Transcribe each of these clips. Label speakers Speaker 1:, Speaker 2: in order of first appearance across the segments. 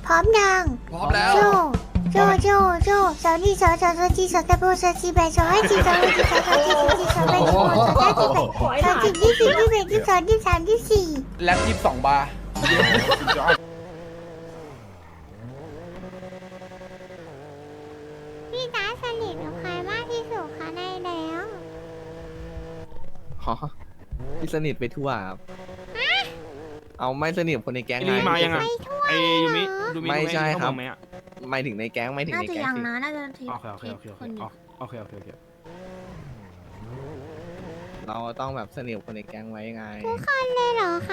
Speaker 1: ร้อมยัง
Speaker 2: พร้อมแล้ว
Speaker 1: โจโจสาวนี่สาวจีสาวตะโบสาวจีแบสาวให้จีสาวให้จีสาวจีสาวจีสาวแบสาวสาวจีแบสาวจีที่
Speaker 2: แล็บ22 บาร์
Speaker 1: พี่ตาสนิทกับใครมากที่สุดคะในแล้ว
Speaker 3: อ๋อพี่สนิทไปทั่วครับเอาไม่สนิทกับคนในแก๊ง
Speaker 4: ไอ้นี่มายังไง
Speaker 1: ไปทั่ว
Speaker 4: ไอ้ยูมิดูมิ
Speaker 3: ไม่ใช่ครับ
Speaker 4: เขาอกไหมอ่ะ
Speaker 3: ไม่ถึงในแก๊งไม่ถึง
Speaker 5: น่า
Speaker 3: ใน
Speaker 5: จะ
Speaker 3: แก๊ง
Speaker 5: ยัง
Speaker 3: สิ
Speaker 5: นะ น่าจะที
Speaker 4: โอเค
Speaker 5: คนอยู่
Speaker 4: โอเค
Speaker 3: เราต้องแบบสนิทกับคนในแก๊งไว้ไง
Speaker 1: ทุกคนเลยเหรอคะ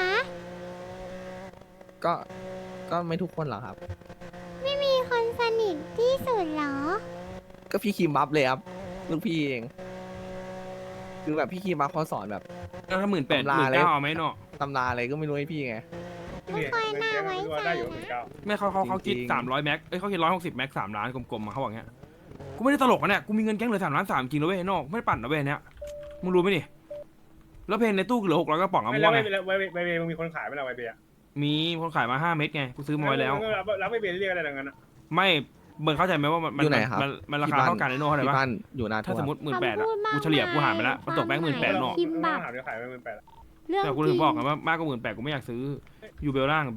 Speaker 3: ก็ไม่ทุกคนหรอกครับ
Speaker 1: ไม่มีคนสนิทที่สุดเหรอ
Speaker 3: ก็พี่คิมบัฟเลยครับลูกพี่เอง คือแบบพี่คิมบัฟเขาสอนแบบ
Speaker 4: แล้วถ้า18,000
Speaker 3: ตำราเลย
Speaker 4: 19,000เอาไหมเนาะ
Speaker 3: ตำราอะไรก็ไม่รู้ให้พี่ไง
Speaker 1: ไม่ค่อยน่าไว้ใจนะ
Speaker 4: ไม่เขาคิด
Speaker 3: จริงๆ
Speaker 4: 300แม็กเขาคิด160แม็ก3 ล้านกลมๆมาเขาบอกเงี้ยกูไม่ได้ตลกนะเนี่ยกูมีเงินแก๊งเหลือ3 ล้าน 3จริงนะเว้ยนอกไม่ได้ปั่นนะเว้ยเนี้ยมึงรู้ไหมนี่แล้วเพนในตู้เหลือ600กระป๋องอะมึงว่าไง
Speaker 6: ไวเบย์มึงมีคนขายไหมล่ะไวเบย์
Speaker 4: มีคนขายมา5 เม็ดไงกูซื้อมาไว้แล้ว
Speaker 6: รับไวเบย์เรียกอะไรดังนั้นอ่ะ
Speaker 4: ไม่เบิร์นเข้าใจไหมว่ามัน
Speaker 3: อยู่ไหนครับ
Speaker 4: มันราคาเท่ากันในโน่เท่าไหร่
Speaker 3: พี่
Speaker 4: ปะ
Speaker 3: บ้านอยู่หนา
Speaker 4: ถ้า
Speaker 3: ทั่ว
Speaker 4: สมมติ18,000อะกูเฉลี่ยกูหารไปแล้วมันตกแบงค์18,000เนาะ
Speaker 1: คิมบับ
Speaker 6: ถามเดี๋ยวขายไป18,000
Speaker 1: เรื่อง
Speaker 4: แต่กู
Speaker 1: จ
Speaker 4: ถึ
Speaker 1: ริ
Speaker 4: ง
Speaker 1: ง
Speaker 4: บอกไงว่ามากกว่า18,000กูไม่อยากซื้ออยู่เบลล่าง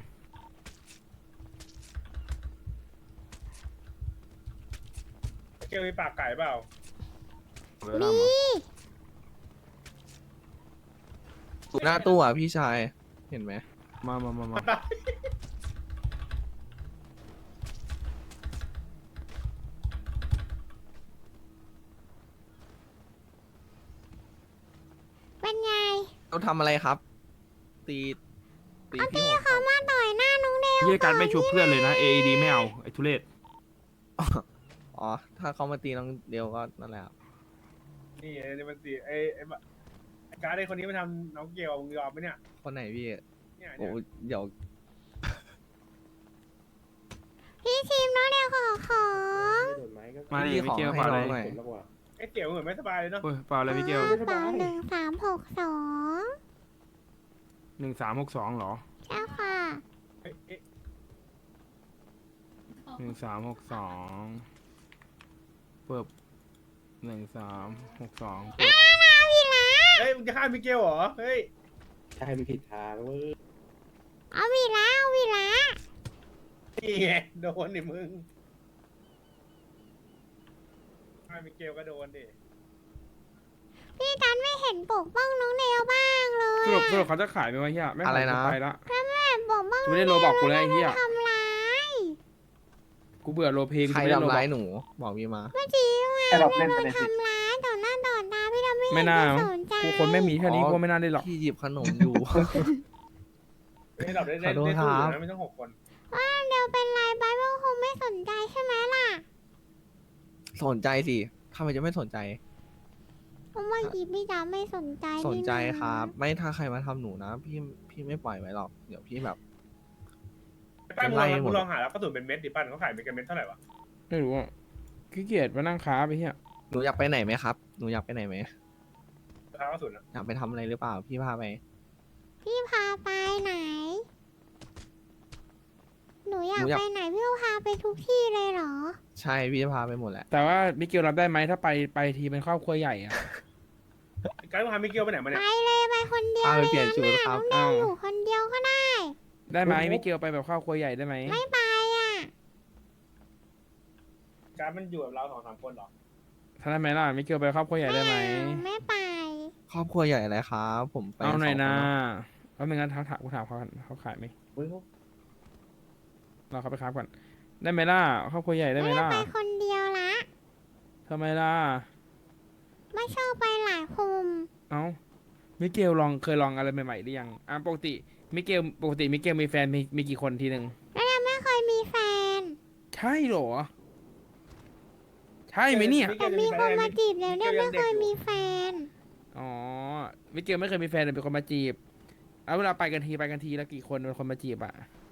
Speaker 6: เกลมีปากไก่เปล่า
Speaker 4: เบลล่าง
Speaker 1: มี
Speaker 3: อยู่หน้าตู้อ่ะพี่ชาย เห็นไหม
Speaker 4: มา
Speaker 1: เป็นไง
Speaker 3: เราทำอะไรครับ ตีพี่หัว
Speaker 1: เขามาต่อยหน้าน้องเดว
Speaker 4: เยี่ยการไม่ชูเพื่อนเลยนะ AED ไม่เอาไอ้ทุเรศ
Speaker 3: อ๋อ ถ้าเขามาตีน้องเดียวก็นั่นแหละครับ
Speaker 6: นี่นี่มันสิไอ้การ์ดไอ้คนนี้มันทำน้องเกลมึงยอมไหมเนี่ย
Speaker 3: คนไหนพี่
Speaker 6: เนี่ย
Speaker 3: โอ้เดี๋ยว
Speaker 1: พี่ทีมน้องเดวขอ
Speaker 4: มาดิ
Speaker 3: พี่
Speaker 4: มิเกล
Speaker 3: ขอให้
Speaker 4: เปล่าอะไร
Speaker 3: น้องหน่อย
Speaker 6: ไอ้เกลเหมือนไม่สบายเลยเนาะ
Speaker 4: โอ้ยเปล่าอะไรมิเกล
Speaker 1: เปล่า1362
Speaker 4: 1362เหรอ
Speaker 1: ใช่ค่ะ
Speaker 4: 1362เปิบ1362เปิบ
Speaker 6: เฮ้ยมึงจะฆ่ามิเกลเหรอเฮ้ย
Speaker 7: ใช่ไม่ผิดทางเว้ย
Speaker 1: เอาวีละ
Speaker 6: นี่ไงโดนดิมึงฆ่ามิเกลก็โดนดิ
Speaker 1: พี่ตันไม่เห็นปกป้องน้องเดวบ้างเลย
Speaker 4: สรุปเขาจะขายไหมวะเฮียไม่ขาย
Speaker 3: อะไรนะ
Speaker 4: กูไปละ
Speaker 1: ปกป้อง
Speaker 4: จะไม่ได้โลบอกกูแล้วไอ้เฮีย
Speaker 1: ทำร้าย
Speaker 4: กูเบื่อโลเพกู
Speaker 3: ใคร
Speaker 4: จะไม่ได้โล
Speaker 3: ทำ
Speaker 4: บอ
Speaker 3: ร้าก ยหนู บอกพี่มา
Speaker 1: เมื่อกี้ว่า
Speaker 7: แต่เรา
Speaker 1: พี่
Speaker 7: เล่น
Speaker 1: โด
Speaker 7: ไป
Speaker 1: น
Speaker 7: ในสิ
Speaker 1: ทำร้ายต่อหน้าต่อตาพี่ดำไม่
Speaker 4: ไม่
Speaker 1: เห็น
Speaker 4: น่า
Speaker 1: จะ
Speaker 4: มั้ง
Speaker 1: สนใจ
Speaker 4: กูคนไม่มีแค่นี้
Speaker 3: อ๋อ
Speaker 4: กูไม่น่าได้หรอก
Speaker 3: พี่หยิบขนมอยู่
Speaker 6: ให้เราได้
Speaker 3: ขอโทษ
Speaker 6: ได้
Speaker 3: ครั
Speaker 6: สู้
Speaker 3: บ
Speaker 6: นะไม่ต้อง6 คน
Speaker 1: ว่าเดวเป็นไรไปว่าคงไม่สนใจใช่ไหมล่ะ
Speaker 3: สนใจสิทำไมจะไม่สนใจ
Speaker 1: เพราะเมื่อกี้พี่ดำไม่สนใจ
Speaker 3: สนใจ
Speaker 1: นี่นะครับ
Speaker 3: ไม่ถ้าใครมาทำหนูนะ พี่ไม่ปล่อยไว้หรอก เดี๋ยวพี่แบบ
Speaker 6: ป้ามึง
Speaker 3: ไล่
Speaker 6: ลอง
Speaker 3: หมด
Speaker 6: มึงลองหาแล้วกระสุนเป็นเม็ดดิปั้นเขาขายเป็นเม็ดเท่าไหร่วะ
Speaker 4: ไม่รู้อ่ะขี้เกียจมานั่งค้าไปเฮีย
Speaker 3: หนูอยากไปไหนไหมครับ หนูอยากไปไหนไหม
Speaker 6: ราคากระสุนอะ
Speaker 3: อยากไปทำอะไรหรือเปล่า พี่พาไป
Speaker 1: พี่พาไปไหน หนูอยาก
Speaker 3: หนูอยาก
Speaker 1: ไปไหนพี่ก็พาไปทุกที่เลยเหรอ
Speaker 3: ใช่ พี่จะพาไปหมดแหละ
Speaker 4: แต่ว่ามิเกลรับได้ไหมถ้าไปทีเป็นครอบครัวใหญ่อะ
Speaker 6: การมึงพามิเกลไปไหนมา
Speaker 1: ไป
Speaker 6: เนี่ย
Speaker 1: เลยไปคนเดียว
Speaker 3: พาไป
Speaker 1: เลย
Speaker 3: เปลี่ยนชุด
Speaker 1: นะ
Speaker 3: ครับ
Speaker 1: น้องเดวอยู่คนเดียวก็ได้
Speaker 4: ได้ไหมมิเกลไปแบบครอบครัวใหญ่ได้ไหม
Speaker 1: ไม่ไปอ่ะ
Speaker 6: การมันอยู่กับเรา2-3 คนเหรอ
Speaker 4: ถ้าได้ไหมล่ะมิเกลไปครอบครัวใหญ่ได้ไหม
Speaker 1: ไม่ไป
Speaker 3: ครอบครัวใหญ่อะไรครับ ผมไป
Speaker 4: เอาหน่อย
Speaker 3: สงค
Speaker 4: นะ
Speaker 3: เา
Speaker 4: แล้วไม่งั้นกูถามเขาก่อนเขาขายไหม
Speaker 7: เว้ย
Speaker 4: เราเขาไปค้าก่อนได้ไหมล่ะครอบครัวใหญ่ได้ไหมล่ะ
Speaker 1: ไปคนเดียวละ
Speaker 4: ทำไมล่ะ
Speaker 1: ไม่ชอบไปหลายคน
Speaker 4: เอ้ามิเกลเคยลองอะไรใหม่ๆหรือยังปกติมิเกลมีแฟนมีกี่คนทีหนึ่ง
Speaker 1: แล้วยังไม่เคยมีแฟน
Speaker 4: ใช่เหรอใช่ไหมเนี่ย
Speaker 1: แต่มีคนมาจีบแล้วเนี่ยไม่เคยมีแฟน
Speaker 4: อ๋อมิเกลไม่เคยมีแฟนแต่เป็นคนมาจีบเอาเวลาไปกันทีแล้วกี่คนเป็นคนมาจีบอะ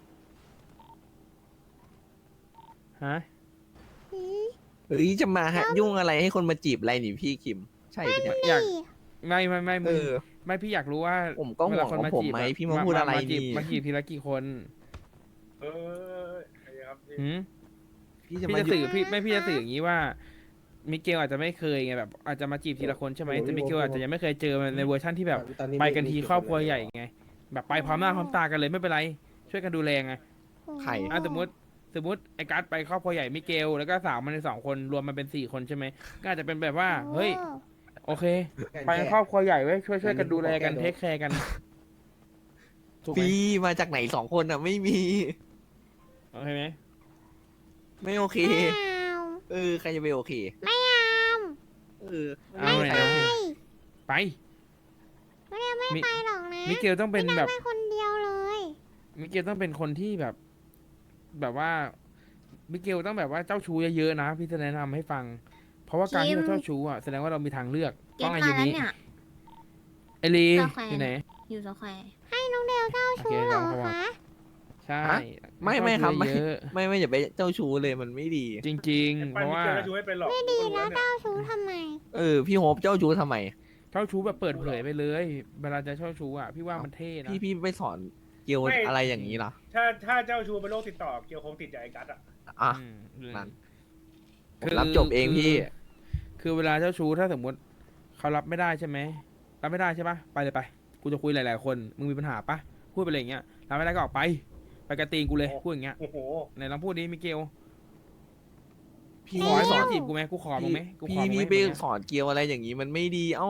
Speaker 4: ฮะ
Speaker 3: เฮ้ยจะมาฮะยุ่งอะไรให้คนมาจีบอะไรนี่พี่คิม ใช่ปะเนี่ย
Speaker 4: อยากไม่
Speaker 3: เอ
Speaker 4: มึง
Speaker 3: อ
Speaker 4: ไม่พี่อยากรู้ว่า
Speaker 3: ผมก็ห่วง
Speaker 4: เวลาคน
Speaker 3: ของผม
Speaker 4: จีบ
Speaker 3: ไหม
Speaker 4: อะ
Speaker 3: พี่มาพูดอะไร
Speaker 4: จีบ
Speaker 3: นี่
Speaker 4: มาจีบทีละกี่คน
Speaker 6: เออไอ้ครับพี่
Speaker 4: หืม
Speaker 3: พี่จะ
Speaker 4: พี่
Speaker 3: มา
Speaker 4: จะ
Speaker 3: อยู่
Speaker 4: สื่อพี่จะสื่ออย่างนี้ว่ามิเกลอาจจะไม่เคยไงแบบอาจจะมาจีบทีละคนใช่ไหมแต่มิเกลอาจจะยังไม่เคยเจอในเวอร์ชั่นที่แบบ
Speaker 7: ตอนนี้
Speaker 4: ไปกันที
Speaker 7: มี
Speaker 4: ครอบครัว
Speaker 7: กี่น
Speaker 4: ใหญ่ไงแบบไปพร้อมหน้าพร้อมตากันเลยไม่เป็นไรช่วยกันดูแลไง
Speaker 3: ไข่
Speaker 4: สมมติไอ้การ์ดไปครอบครัวใหญ่มิเกลแล้วก็สาวมันใน2 คนรวมมันเป็น4 คนใช่ไหมก็อาจจะเป็นแบบว่าเฮ้ยโอเค ไปครอบครัวใหญ่ไว้ยช่วยกันดูแลกันเทคแคร์กันถูกไหม
Speaker 3: พี่มาจากไหน2 คนอ่ะไม่มี
Speaker 4: โอเคไหม
Speaker 3: ไม่โอเค
Speaker 1: ไม่เอา
Speaker 3: ใครจะไปโอเค
Speaker 1: ไม่เอา
Speaker 3: เออ
Speaker 4: เอาไหนเอาไป
Speaker 1: ไม่ได้ไม่ไปหรอกนะ
Speaker 4: มิเกลต้องเป็นแบบ
Speaker 1: ไม่คนเดียวเลย
Speaker 4: มิเกลต้องเป็นคนที่แบบว่ามิเกลต้องแบบว่าเจ้าชู้เยอะๆนะพี่จะแนะนำให้ฟัง เพราะว่าการที่เราเจ้าชู้อ่ะแสดงว่าเรามีทางเลือก
Speaker 2: เก็
Speaker 4: ต้
Speaker 2: ต
Speaker 4: อง
Speaker 2: มา
Speaker 4: อายุ
Speaker 2: แล้ว
Speaker 4: นี้
Speaker 2: เนี่ย
Speaker 4: ไอรี
Speaker 2: เจ้าแขวน
Speaker 4: อยู่ไหน
Speaker 2: อยู่สแควร์
Speaker 1: ให้น้องเดลเจ้าชู้เหรอ
Speaker 4: โอเค
Speaker 1: คะ
Speaker 4: ใช่
Speaker 3: ฮะไม่ครับไม่
Speaker 4: เยอะ
Speaker 3: ไม่อย่าไปเจ้าชู้เลยมันไม่ดี
Speaker 4: จริง
Speaker 6: ไอ้
Speaker 4: ๆ เพ
Speaker 6: ปั้น
Speaker 4: ราะ
Speaker 6: มิ
Speaker 4: ว่า
Speaker 6: เกลก็ช่วยเป็นหรอก
Speaker 1: ไม่ดี
Speaker 6: กูก็
Speaker 1: แล้ว
Speaker 6: รู้เนี่ย
Speaker 1: เจ้าชู้ทำไม
Speaker 3: พี่โฮปเจ้าชู้ทำไม
Speaker 4: เจ้าชู้แบบเปิดเผยไปเลย เวลาจะเจ้าชู้อ่ะพี่ว่ามันเท่นะ
Speaker 3: พี่ไปสอนเกียวอะไรอย่างนี้ล่ะ
Speaker 6: ถ้าเจ้าชูเป็นโรคติดต่อเกี่ยวคงติดจากไอ้กัสอ่ะ
Speaker 3: อ่ะ
Speaker 4: อืม
Speaker 3: นั่น ผมรับจบเองพี่
Speaker 4: คือเวลาเจ้าชู้ถ้าสมมติเขารับไม่ได้ใช่ไหมรับไม่ได้ใช่ปะไปเลยไป กูจะคุยหลายๆคนมึงมีปัญหาปะพูดไปเลยอย่างเงี้ยรับไม่ได้ก็ออกไปกระตีนกูเลยพูดอย่างเงี้ย
Speaker 6: โอ้โห
Speaker 4: ไหนลองพูดดิมิเกล
Speaker 3: พี่
Speaker 4: ขอให้
Speaker 3: ส
Speaker 4: ส
Speaker 3: อ
Speaker 4: อน นจีบกูไหมกูขอมึงไหมกูขอมึงไหม
Speaker 3: พี่ไปสอนเกียวอะไรอย่างนี้มันไม่ดี เอ้า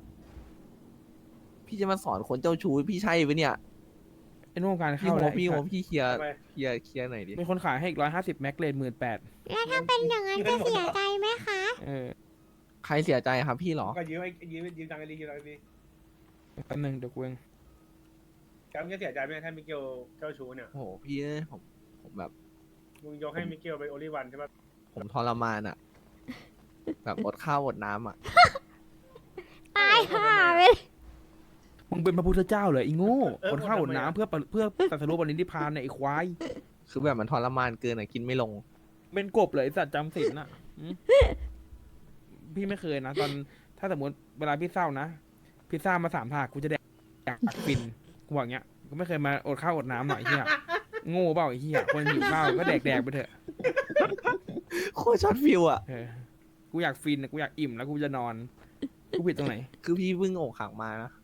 Speaker 3: พี่จะมาสอนคนเจ้าชู้พี่ใช่ปะเนี่ย
Speaker 4: ไอ้นู่นการ
Speaker 3: พี่
Speaker 4: เข้า
Speaker 3: โฮ
Speaker 4: แล้ว
Speaker 3: ปพี่โฮปพี่เคลียร์
Speaker 6: ทำไม
Speaker 3: เคลียร์หน่อยดิ
Speaker 4: มีคนขายให้อีก150แม็กเลน18,000
Speaker 1: แล้วถ้าเป็นอย่างนั้นจะเสียใจไหมคะ
Speaker 4: เออ
Speaker 3: ใครเสียใจครับพี่เหรอ
Speaker 6: ก็ยืมตังค์ไอ้ลียืมตังค์ไอ้ลี
Speaker 4: แป๊บนึงเดี๋ยวกูเอง
Speaker 6: กัสมึงจะเสียใจไหมถ้ามิเกลเจ้าชูเนี่ย
Speaker 3: โอ้โหพี่ผมแบบ
Speaker 6: มึงยกให้มิเกลเป็นโอลิวันใช่ปะ
Speaker 3: ผมทรมานอ่ะ แบบอดข้าวอดน้ำอ่ะ
Speaker 1: ตายห่าไปเลย
Speaker 4: มึงเป็นพระพุทธเจ้าเหรอไอ้โง่คนข้าวอดน้ำเพื่อตรัสรู้ปณิธิพานเนี่ยไอ้ควาย
Speaker 3: คือแบบมันทรมานเกินอ่ะกินไม่ลง
Speaker 4: เป็นกบเลยไอ้สัตว์จำศีลน่ะหืมพี่ไม่เคยนะตอนถ้าสมมติเวลาพี่เศร้านะพิซซ่ามา3 ถาดกูจะแดกฟินกูบอกอย่างเงี้ยกูไม่เคยมาอดข้าวอดน้ำหน่อยเฮียโง่เปล่าไอ้เฮียคนหิวข้าวก็แดกไปเถอะ
Speaker 3: โคตรช็อตฟิวอ่ะ
Speaker 4: เออกูอยากฟินนะกูอยากอิ่มแล้วกูจะนอนกูผิดตรงไหน
Speaker 3: คือพี่เพิ่งอกหักมานะ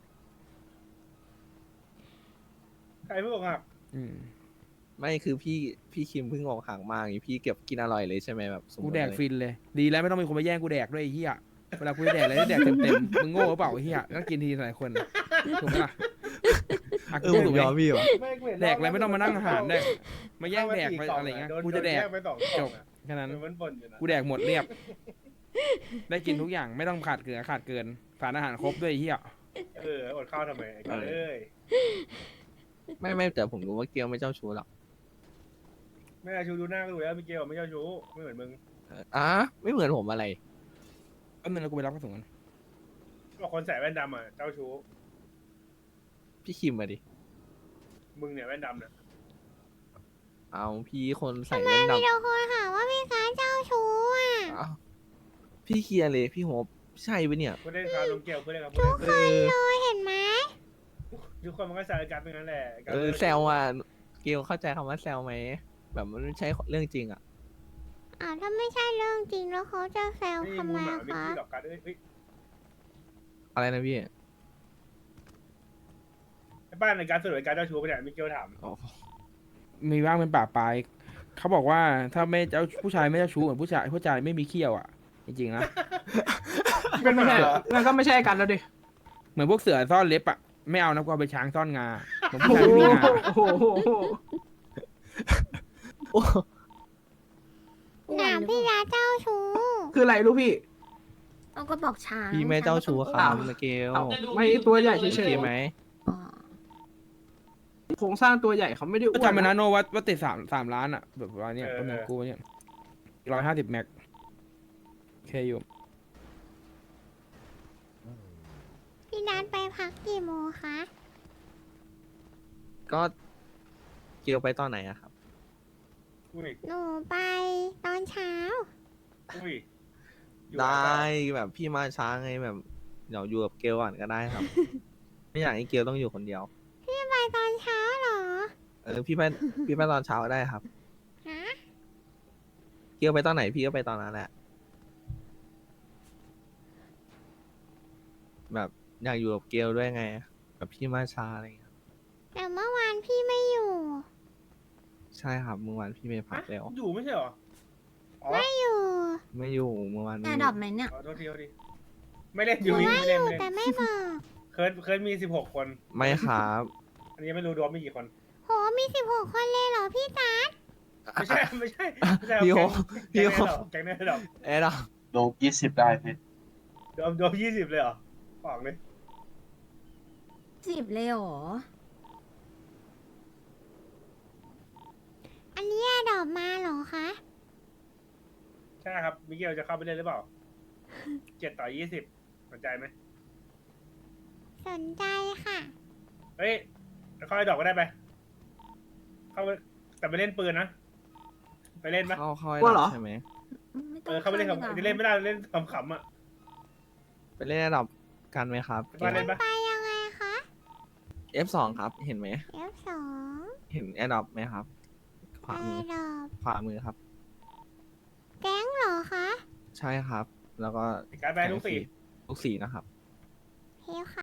Speaker 6: ใครเพิ่งอกหัก
Speaker 4: อืม
Speaker 3: ไม่คือพี่คิมเพิ่งอกหักมาอย่างงี้พี่เก็บกินอร่อยเลยใช่ไหมแบบสมมุ
Speaker 4: กู
Speaker 3: ติ
Speaker 4: แดก
Speaker 3: เลย
Speaker 4: ฟินเลย ดีแล้วไม่ต้องมีคนมาแย่งกูแดกด้วยไอ้เหี้ยเวลากูจะแดกอะไรได้แดกเต็มๆมึงโง่หรือเปล่าไอ้เหี้ยก็กินทีหลายคนถูกไหมล่ะอ่ะ
Speaker 3: เอ
Speaker 4: กู
Speaker 3: อผ
Speaker 4: ถู
Speaker 3: ม
Speaker 4: กไหม
Speaker 3: ยอมพี่ว่ะ
Speaker 4: แดกอะไรไม่ต้องมานั่งอาหารแดกมาแย่งแดกไปอะไรเงี้ยกูจะแดก
Speaker 6: ไป2
Speaker 4: จบแค่นั้น
Speaker 6: มันปนอยู่นะ
Speaker 4: กูแดกหมดเรียบ ได้กินทุกอย่างไม่ต้องขาดเกินสารอาหารครบด้วยไอ้เหี้ย
Speaker 6: อดข้าวทำไมไอ้กัสเอ้ย
Speaker 3: ไม่แต่ผมรู้ว่าเกียวไม่เจ้าชู้หรอก
Speaker 6: ไม่ได้ชูดูหน้าก็รู้แล้วมิเกลไม่เจ้าชู้ไม่เหมือนมึง
Speaker 3: ไม่เหมือนผมอะไร
Speaker 4: แป๊บนึงแล้วกูไปรับกระสุนกัน
Speaker 6: บอกคนใส่แว่นดำอ่ะเจ้าชู้
Speaker 3: พี่คิมมาดิ
Speaker 6: มึงเนี่ยแว่นดำเนี่ย
Speaker 3: เอาพี่คนใส่
Speaker 1: ทำไม
Speaker 3: แว่น
Speaker 1: มี
Speaker 3: ดำ
Speaker 1: แต่คนหาว่าพี่การเจ้าชู้อ่ะ
Speaker 3: อ้าวพี่เคลียร์เลยพี่โฮปใช่ปะเนี่ย
Speaker 6: เพื่อนเล่นครับลงเกลเพื่อนเล่นครับ
Speaker 3: เออ
Speaker 1: เลยเห็นไหม
Speaker 6: ทุกคนมันก็ใส่กันเป็นงั้นแหละ
Speaker 3: แซวอ่ะเกลเข้าใจคำว่าแซวไหมแบบมันไม่ใช่เรื่องจริงอ่ะ
Speaker 1: ถ้าไม่ใช่เรื่องจริงแล้วเขาจะแซว
Speaker 6: ไม่
Speaker 1: ทำ
Speaker 6: มู
Speaker 1: ไม
Speaker 6: หมาไม่
Speaker 1: คะ
Speaker 6: ขี้หรอกกันเอ้ย
Speaker 3: อะไรนะพี่
Speaker 6: ไอ้บ้านในการสรุปการเจ้าชู้ไปเนี่ยมิเกลถาม
Speaker 3: อ๋อ
Speaker 4: มีบ้างเป็นป่าปลายเขาบอกว่าถ้าไม่เจ้าผู้ชายไม่เจ้าชู้เหมือนผู้ชายไม่มีเขี้ยวอ่ะ จริงๆนะ
Speaker 6: เป็นไม่ใช่เหรอ
Speaker 5: มันก็ไม่ใช่กันแล้วดิ
Speaker 4: เหมือนพวกเสือซ่อนเล็บอ่ะไม่เอานะกูเอาไปช้างซ่อนงาเหมือนผู้ชายไม่มีงา
Speaker 5: โอ้โห
Speaker 3: โอ้
Speaker 1: ถามพี่ยาเจ้าชู้
Speaker 5: คืออะไรรู้พี่
Speaker 2: เอาก็บอกช้าง
Speaker 3: พี่ไม่เจ้าชู้ค
Speaker 2: ช้
Speaker 3: รั
Speaker 2: ง
Speaker 3: บ
Speaker 2: ก็ต้อง
Speaker 3: นะเกล
Speaker 5: ไม่ตัวใหญ่เฉ
Speaker 3: โอยเค
Speaker 5: ย
Speaker 3: ไหม
Speaker 2: อ๋อ
Speaker 5: ๆโครงสร้างตัวใหญ่เขาไม่ได้อ้
Speaker 4: ก็
Speaker 5: วน
Speaker 4: จำเป็นนะโนว่าติด3 ล้านอ่ะแบบว่าเนี่ยประมาณกูเนี่ย150แม็กโอเคอยู่
Speaker 1: พี่นัดไปพักกี่โมงคะ
Speaker 3: ก็เกลไปตอนไหนอะครับ
Speaker 6: อุ้ย
Speaker 1: หนูไปตอนเช้า
Speaker 6: อุ้ย
Speaker 3: ได้แบบพี่มาช้าไงแบบเดี๋ยวอยู่กับเกลก่อนก็ได้ครับ ไม่อยากให้เกลต้องอยู่คนเดียว
Speaker 1: ไปตอนเช้าเหรอ
Speaker 3: พี่ไปตอนเช้าก็ได้ครับ
Speaker 1: ฮะ
Speaker 3: เกลไปตอนไหนพี่ก็ไปตอนนั้นแหละ แบบอยากอยู่กับเกลด้วยไงแบบพี่มาช้าอะไรอย่างเงี้ย
Speaker 1: แต่เมื่อวานพี่ไม่อยู่
Speaker 3: ใช่ครับเมื่อวานพี่ไปพักแล้ว
Speaker 6: อยู่ไม่ใช่เหรอ อ๋อ
Speaker 1: ไม่อยู่
Speaker 3: ไม่อยู่เมื่อวาน
Speaker 2: แอ
Speaker 3: ไม่อ
Speaker 2: ร์ดรอป
Speaker 3: ยู่
Speaker 2: ไหมเนี่ย
Speaker 6: ขอโทษทีโทษทีไม่เล่นอยู่
Speaker 1: ว่า
Speaker 6: ไม่
Speaker 1: อ
Speaker 6: เล่น
Speaker 1: ยู่
Speaker 6: ไม่เล่น
Speaker 1: แต่ไม่บอก
Speaker 6: เคยมี16 คน
Speaker 3: ไม่ครับ
Speaker 6: อันนี้ยังไม่รู้ดวงมีกี่คน
Speaker 1: โหมี16 คนเลยเหรอพี่ตา
Speaker 6: ไม่ใช่ไม่ใช่ไม่ใช่
Speaker 3: พี่โอ
Speaker 6: แก๊ง
Speaker 3: พี่โอ
Speaker 6: แก๊งแน่ดอก
Speaker 3: แอร์ดรอป
Speaker 7: โดก20 ได้พี่
Speaker 6: ดวง20เลยเหรอบอกเลย
Speaker 2: 10เลยเหรอ
Speaker 1: อันนี้ดอกมาเหรอคะ
Speaker 6: ใช่ครับมิเกลจะเข้าไปเล่นหรือเปล่า7 ต่อ 20สนใจไหม
Speaker 1: สนใจค่ะ
Speaker 6: เฮ้ยเข้าไอ้ดอกก็ได้ไปเข้าไปแต่ไปเล่นปืนนะไปเล่นปะ
Speaker 3: เข้าแอร์
Speaker 5: กลัว
Speaker 3: ด
Speaker 5: เหร
Speaker 3: รอ
Speaker 5: อ
Speaker 3: ปใช่ไหม
Speaker 2: ไม่ต้
Speaker 6: เอ
Speaker 2: อง
Speaker 6: อเข้าไปเล่นกับ
Speaker 2: ดีกว่า
Speaker 6: จะเล่นไม่ได้เล่นขำๆอ่ะ
Speaker 3: ไปเล่นแอร์ดรอปกันไหมครับ
Speaker 6: ไปเล่นปะ
Speaker 1: ไปยังไงคะ
Speaker 3: F2 ครับเห็นไหม
Speaker 1: F2
Speaker 3: เห็นแอร์ดรอปไหมครับ ขวามือ
Speaker 1: ดอก
Speaker 3: ขวามือครับ
Speaker 1: แก๊งเหรอคะ
Speaker 3: ใช่ครับ แล้วก็
Speaker 6: การไปลูกสี่
Speaker 3: ลูกสี่นะครับ
Speaker 1: เฮลค่ะ